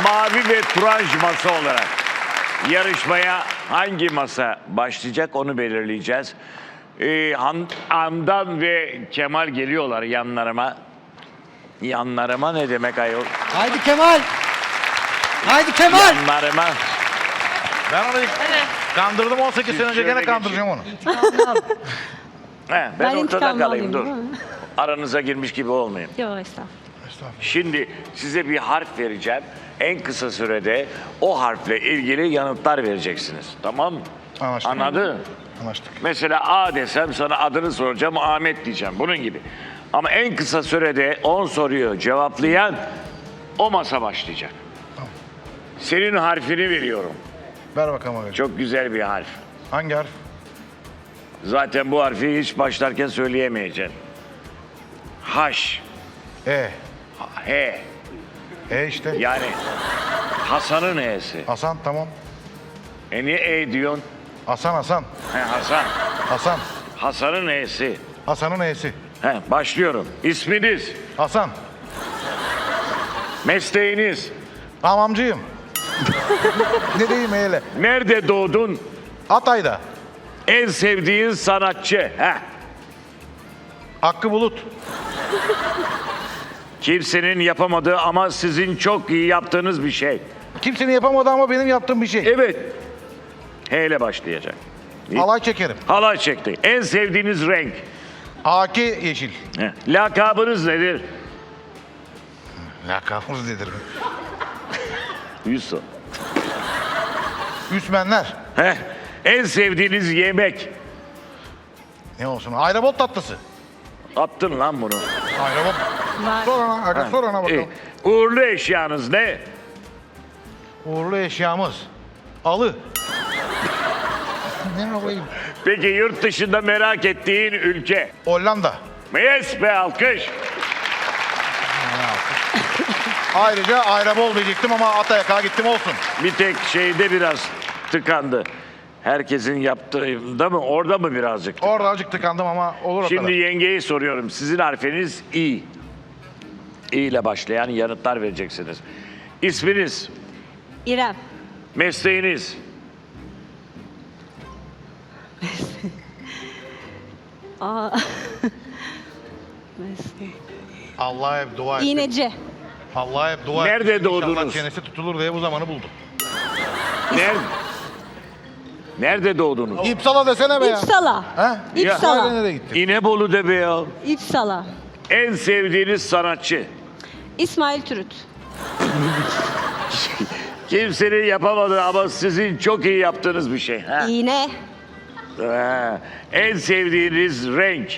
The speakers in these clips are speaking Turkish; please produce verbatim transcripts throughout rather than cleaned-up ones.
mavi ve turanj masa olarak yarışmaya hangi masa başlayacak onu belirleyeceğiz. Ee, Han, Handan ve Kemal geliyorlar yanlarıma. Yanlarıma ne demek ayol? Haydi Kemal. Haydi Kemal. Yanlarıma. Ben onu kandırdım on sekiz sene önce, Şöyle gene kandıracağım onu. He, ben, Ben ortada intikamımı kalayım, dur. alayım, değil mi? Aranıza girmiş gibi olmayayım. Yok estağfurullah. Şimdi size bir harf vereceğim. En kısa sürede o harfle ilgili yanıtlar vereceksiniz. Tamam mı? Anlaştık. Anladın? Anlaştık. Mesela A desem sana adını soracağım, Ahmet diyeceğim. Bunun gibi. Ama en kısa sürede on soruyu cevaplayan o masa başlayacak. Tamam. Senin harfini veriyorum. Ver bakalım abi. Çok güzel bir harf. Hangi harf? Zaten bu harfi hiç başlarken söyleyemeyeceksin. Haş. E. He. E işte. Yani Hasan'ın E'si. Hasan, tamam. E niye E diyorsun? Hasan, Hasan. He Hasan. Hasan. Hasan'ın E'si. Hasan'ın E'si. He başlıyorum. İsminiz, Hasan. mesleğiniz, Hamamcıyım. Ne diyeyim hele? nerede doğdun, Hatay'da. en sevdiğin sanatçı. He. Hakkı Bulut. Kimsenin yapamadığı ama sizin çok iyi yaptığınız bir şey. Kimsenin yapamadığı ama benim yaptığım bir şey. Evet. H ile başlayacak. Halay çekerim. Halay çekti. En sevdiğiniz renk. Haki yeşil. He. Lakabınız nedir? Lakabımız nedir? Yusuf. Üsmenler. Heh. En sevdiğiniz yemek. Ne olsun? Ayrabot tatlısı. Attın lan bunu. Ayrabot. Var. Sor ona, aga, sor ona bakalım. İyi. Uğurlu eşyanız ne? Uğurlu eşyamız. Alı. Ne yapayım? Peki yurt dışında merak ettiğin ülke? Hollanda. Yes be alkış. Ayrıca Ayrabol diyecektim ama Atayak'a gittim, olsun. Bir tek şeyde biraz tıkandı. Herkesin yaptığında mı? Orada mı birazcık? Orada azıcık tıkandım ama olur o Şimdi kadar. yengeyi soruyorum. Sizin harfiniz İ. İ ile başlayan yanıtlar vereceksiniz. İsminiz, İrem. mesleğiniz, Aa. Mesleği. Allah'a hep dua ettim. İğneci. Allah'a hep dua Nerede ettim. İnşallah doğdunuz? çenesi tutulur diye bu zamanı buldum. nerede? Nerede doğdunuz? İpsala desene be ya. İpsala. He? İpsala. Nereye gittin? İnebolu de be ya. İpsala. En sevdiğiniz sanatçı. İsmail Türüt. Kimsenin yapamadığı ama sizin çok iyi yaptığınız bir şey. Ha? İğne. Ha. En sevdiğiniz renk.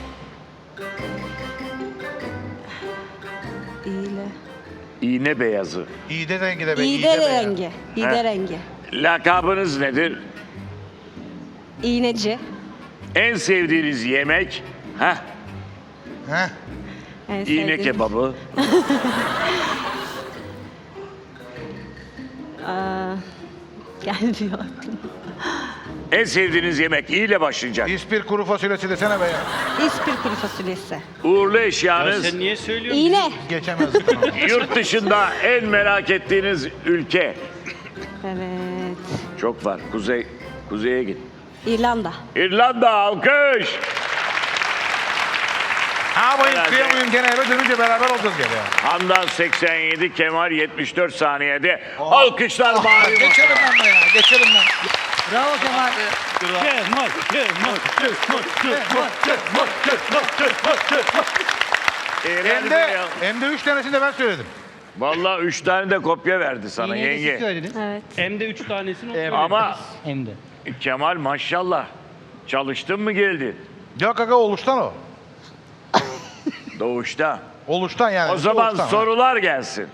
İğne. İğne beyazı. İğde rengi de be. İğde be ya. rengi. He. İğde rengi. Lakabınız nedir? İğneci. En sevdiğiniz yemek? Heh, He? En iğne sevdiğim- kebabı. Aa, gelmiyor aklıma. En sevdiğiniz yemek İ ile başlayacak. İspir kuru fasulyesi desene be ya. İspir kuru fasulyesi. Uğurlu Ya eşyanız. sen niye söylüyorsun? İğne. Geçemezdik onu. Yurt dışında en merak ettiğiniz ülke. Evet. Çok var. Kuzey, kuzeye git. İrlanda. İrlanda alkış. Ha bu Herhalde. istiyor muyum, gene eve dönünce beraber olacağız gene ya. Handan seksen yedi, Kemal yetmiş dört saniyede. Alkışlar mavi masa. Geçerim ben de ya, geçerim ben. Bravo Kemal. Kemal, Kemal, Kemal, Kemal, Kemal. Eğlendi Hem de, ya. hem de üç tanesini de ben söyledim. Vallahi üç tane de kopya verdi sana İğneyi de siz yenge. söylediniz. Evet. Hem de üç tanesini Evet. Ama Hem de. Kemal maşallah. Çalıştın mı geldin? Yok aga, oluştan o. Doğuşta. Oluştan yani. O zaman oluştan, ha. sorular gelsin.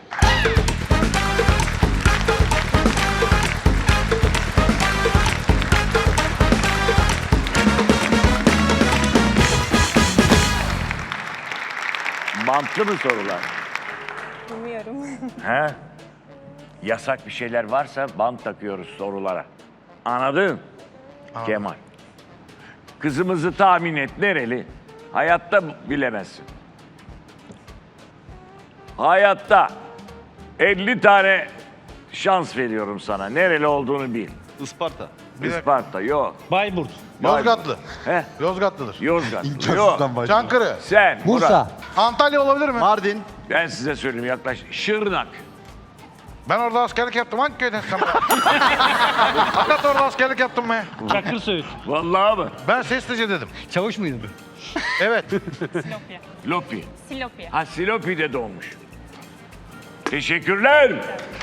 Bantlı mı sorular? Bilmiyorum. He? Yasak bir şeyler varsa bant takıyoruz sorulara. Anladın? Kemal. Kızımızı tahmin et, nereli? Hayatta bilemezsin. Hayatta. elli tane şans veriyorum sana. Nereli olduğunu bil. Isparta. Isparta yok. Bayburt. Yozgatlı. He? Yozgatlıdır. Yozgat. Yok. Çankırı. Sen. Bursa. Murat. Antalya olabilir mi? Mardin. Ben size söyleyeyim yaklaş. Şırnak. Ben orada askerlik yaptım. Hangi köyden sen? Hatta orada askerlik yaptım mı? Çakır Söğüt. Vallahi mı? Ben Seslice dedim. Çavuş muydun? Evet. Silopya. Lopi. Silopya. Ha Silopi'de doğmuş. Teşekkürler.